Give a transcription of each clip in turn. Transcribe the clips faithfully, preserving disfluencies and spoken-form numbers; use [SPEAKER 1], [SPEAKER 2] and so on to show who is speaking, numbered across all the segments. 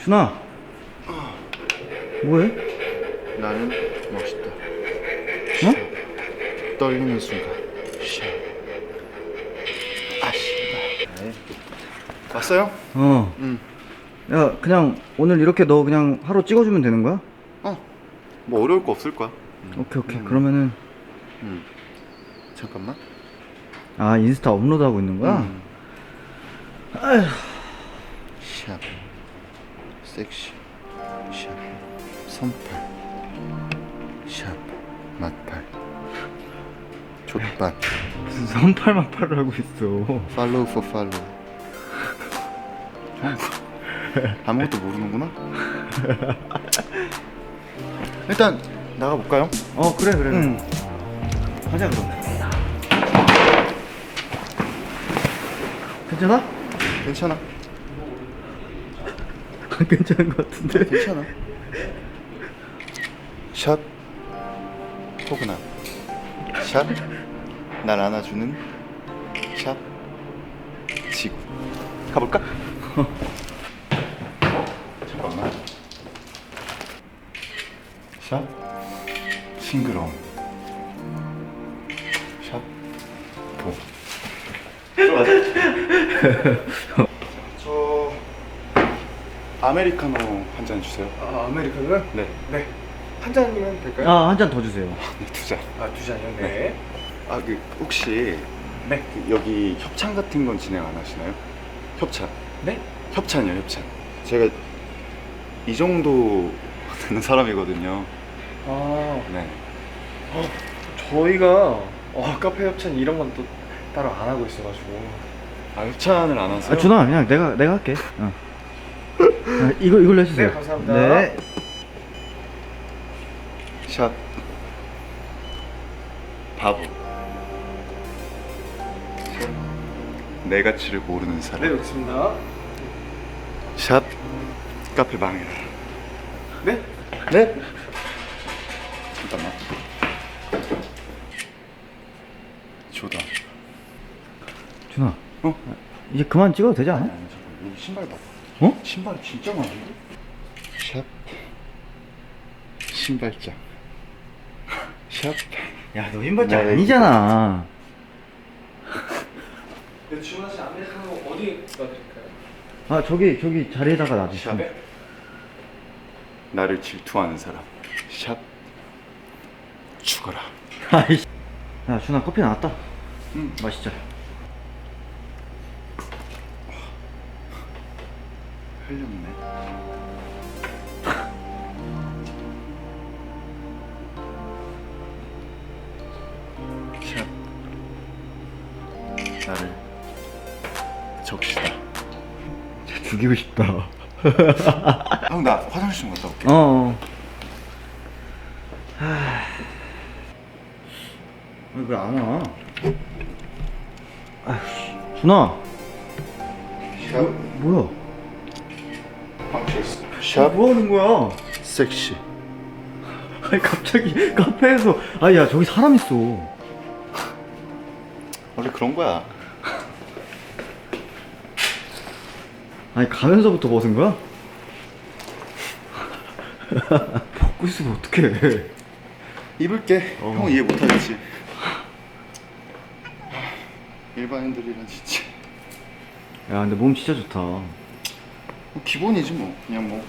[SPEAKER 1] 준아, 뭐해?
[SPEAKER 2] 나는 멋있다.
[SPEAKER 1] 어?
[SPEAKER 2] 떨리는 순간. 샤. 아 씨발. 왔어요?
[SPEAKER 1] 어.
[SPEAKER 2] 응.
[SPEAKER 1] 야, 그냥 오늘 이렇게 너 그냥 하루 찍어주면 되는 거야?
[SPEAKER 2] 어. 뭐 어려울 거 없을 거야.
[SPEAKER 1] 오케이, 오케이.
[SPEAKER 2] 음.
[SPEAKER 1] 그러면은
[SPEAKER 2] 응. 잠깐만.
[SPEAKER 1] 아 인스타 업로드하고 있는 거야?
[SPEAKER 2] 음.
[SPEAKER 1] 아휴.
[SPEAKER 2] 샵. 섹시. 샵. 선팔. 샵. 맛팔. 족발.
[SPEAKER 1] 무슨 선팔만팔을 하고 있어.
[SPEAKER 2] 팔로우 포 팔로우. 형 아무것도 모르는구나. 일단 나가볼까요?
[SPEAKER 1] 어 그래 그래.
[SPEAKER 2] 응.
[SPEAKER 1] 가자 그럼. 괜찮아?
[SPEAKER 2] 괜찮아.
[SPEAKER 1] 안 괜찮은 것 같은데.
[SPEAKER 2] 괜찮아. 샵 포근함. 샵 날 안아주는 샵 지구. 가볼까? 잠깐만. 샵 싱그러움. 샵 보. 들어가자. 저 아메리카노 한 잔 주세요.
[SPEAKER 3] 아, 아메리카노요?
[SPEAKER 2] 네.
[SPEAKER 3] 네. 한 잔이면 될까요?
[SPEAKER 1] 아 한 잔 더 주세요.
[SPEAKER 2] 네, 두 잔.
[SPEAKER 3] 아, 두 잔이요? 네.
[SPEAKER 2] 아, 그 혹시
[SPEAKER 3] 네.
[SPEAKER 2] 그 여기 협찬 같은 건 진행 안 하시나요? 협찬.
[SPEAKER 3] 네?
[SPEAKER 2] 협찬이요, 협찬. 제가 이 정도 되는 사람이거든요.
[SPEAKER 3] 아,
[SPEAKER 2] 네.
[SPEAKER 3] 어, 저희가 어, 카페 협찬 이런 건 또 따로 안 하고 있어가지고.
[SPEAKER 2] 아, 협찬을 안 하세요?
[SPEAKER 1] 아 준아 그냥 내가 내가 할게. 어. 아, 이거 이걸로 해주세요.
[SPEAKER 3] 네, 감사합니다.
[SPEAKER 1] 네.
[SPEAKER 2] 샵 바보. 내 가치를 모르는 사람.
[SPEAKER 3] 네, 여기 있습니다.
[SPEAKER 2] 샵 카페 망해라.
[SPEAKER 3] 네?
[SPEAKER 2] 네? 잠깐만. 조다.
[SPEAKER 1] 준아.
[SPEAKER 2] 어?
[SPEAKER 1] 이제 그만 찍어도 되지 않아?
[SPEAKER 2] 아니, 아니, 잠깐만. 여기 신발 봐.
[SPEAKER 1] 어?
[SPEAKER 2] 신발이 진짜 많은데? 샵 신발장. 샵.
[SPEAKER 1] 야 너 흰발짝
[SPEAKER 2] 네,
[SPEAKER 1] 아니잖아.
[SPEAKER 3] 네, 주문하신 아메리카노 어디에 넣어드릴까요?
[SPEAKER 1] 아 저기 저기 자리에다가 놔주시면.
[SPEAKER 2] 샵. 나를 질투하는 사람. 샵 죽어라.
[SPEAKER 1] 아이씨. 야 준아 커피 나왔다.
[SPEAKER 2] 응.
[SPEAKER 1] 마시자.
[SPEAKER 2] 흘렸네. 샵 나를 적시다.
[SPEAKER 1] 죽이고 싶다.
[SPEAKER 2] 형 나 화장실 좀 갔다 올게.
[SPEAKER 1] 어. 하... 왜 안 와? 아이씨. 준아.
[SPEAKER 2] 샵
[SPEAKER 1] 뭐야?
[SPEAKER 2] 망치했어.
[SPEAKER 1] 아,
[SPEAKER 2] 샵
[SPEAKER 1] 뭐 하는 거야?
[SPEAKER 2] 섹시.
[SPEAKER 1] 아니 갑자기 카페에서 아야 저기 사람 있어.
[SPEAKER 2] 원래 그런 거야.
[SPEAKER 1] 아니 가면서부터 벗은 거야? 벗고 있으면 어떡해.
[SPEAKER 2] 입을게.
[SPEAKER 1] 어.
[SPEAKER 2] 형 이해 못하겠지. 일반인들이란 진짜
[SPEAKER 1] 야 근데 몸 진짜 좋다.
[SPEAKER 2] 뭐 기본이지 뭐. 그냥 뭐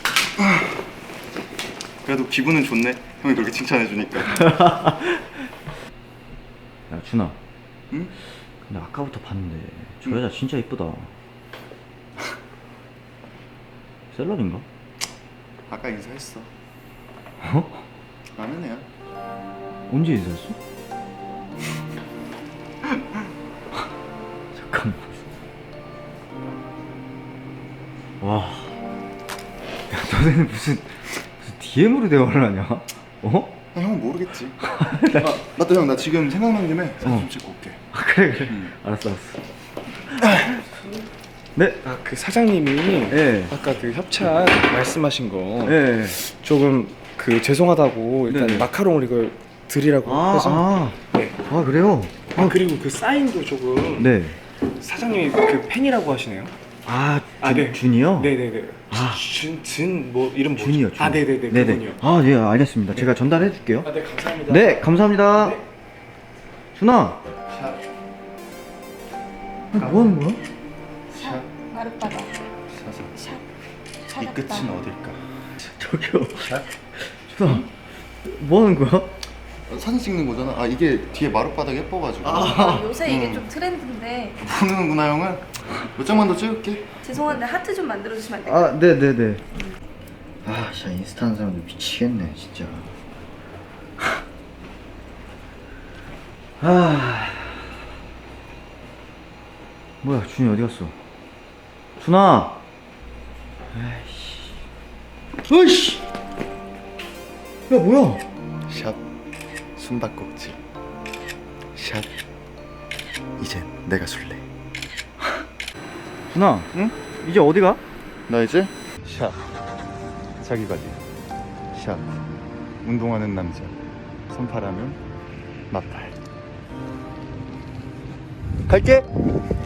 [SPEAKER 2] 그래도 기분은 좋네. 형이 그렇게 칭찬해 주니까.
[SPEAKER 1] 야 준아.
[SPEAKER 2] 응?
[SPEAKER 1] 근데 아까부터 봤는데 저
[SPEAKER 2] 응.
[SPEAKER 1] 여자 진짜 이쁘다. 셀럽인가?
[SPEAKER 2] 아까 인사했어.
[SPEAKER 1] 어?
[SPEAKER 2] 아는 애야.
[SPEAKER 1] 언제 인사했어? 잠깐만. 와. 야, 너네는 무슨, 무슨 디엠으로 대화를 하냐? 어?
[SPEAKER 2] 아, 형은 모르겠지. 아, 맞다 형. 나 지금 생각난 김에 사진
[SPEAKER 1] 어.
[SPEAKER 2] 좀 찍고 올게.
[SPEAKER 1] 아, 그래, 그래.
[SPEAKER 2] 응.
[SPEAKER 1] 알았어, 알았어. 네?
[SPEAKER 3] 아, 그 사장님이
[SPEAKER 1] 예.
[SPEAKER 3] 아까 그 협찬 말씀하신 거
[SPEAKER 1] 예.
[SPEAKER 3] 조금 그 죄송하다고 일단
[SPEAKER 1] 네네.
[SPEAKER 3] 마카롱을 이걸 드리라고
[SPEAKER 1] 아,
[SPEAKER 3] 해서
[SPEAKER 1] 아.
[SPEAKER 3] 네.
[SPEAKER 1] 아, 그래요?
[SPEAKER 3] 아, 그리고 그 사인도 조금
[SPEAKER 1] 네.
[SPEAKER 3] 사장님이 그 팬이라고 하시네요.
[SPEAKER 1] 아,
[SPEAKER 3] 아,
[SPEAKER 1] 준,
[SPEAKER 3] 네.
[SPEAKER 1] 준이요?
[SPEAKER 3] 네네네.
[SPEAKER 1] 아.
[SPEAKER 3] 준준뭐 이름 뭐죠?
[SPEAKER 1] 준이요, 준.
[SPEAKER 3] 아 네네네.
[SPEAKER 1] 네네.
[SPEAKER 3] 그분이요.
[SPEAKER 1] 아, 예, 알겠습니다. 제가 전달해 줄게요.
[SPEAKER 3] 아, 네 감사합니다.
[SPEAKER 1] 네, 감사합니다.
[SPEAKER 3] 네.
[SPEAKER 1] 준아,
[SPEAKER 2] 샵.
[SPEAKER 1] 뭐 하는 거야?
[SPEAKER 2] 샵.
[SPEAKER 4] 마룻바다.
[SPEAKER 2] 사사.
[SPEAKER 4] 샵.
[SPEAKER 2] 이
[SPEAKER 4] 찾았다.
[SPEAKER 2] 끝은 어딜까?
[SPEAKER 1] 저기요.
[SPEAKER 2] 샵.
[SPEAKER 1] 준아, 뭐 하는 거야?
[SPEAKER 2] 어, 사진 찍는 거잖아. 아 이게 뒤에 마룻바닥 예뻐가지고.
[SPEAKER 4] 아, 요새 이게
[SPEAKER 2] 음.
[SPEAKER 4] 좀 트렌드인데
[SPEAKER 2] 모르는구나 형은. 몇 장만 더 찍을게.
[SPEAKER 4] 죄송한데 하트 좀 만들어 주시면 안 될까요?
[SPEAKER 1] 아, 네, 네, 네. 아, 진짜 인스타 하는 사람들 미치겠네, 진짜. 아, 뭐야, 준이 어디 갔어? 준아. 아이씨. 어이씨. 야, 뭐야?
[SPEAKER 2] 샵. 숨바꼭질. 샵. 이젠 내가 술래.
[SPEAKER 1] 준아,
[SPEAKER 2] 응?
[SPEAKER 1] 이제 어디 가?
[SPEAKER 2] 나 이제 샵. 자기 관리. 샵. 운동하는 남자. 손파라면 마팔. 갈게.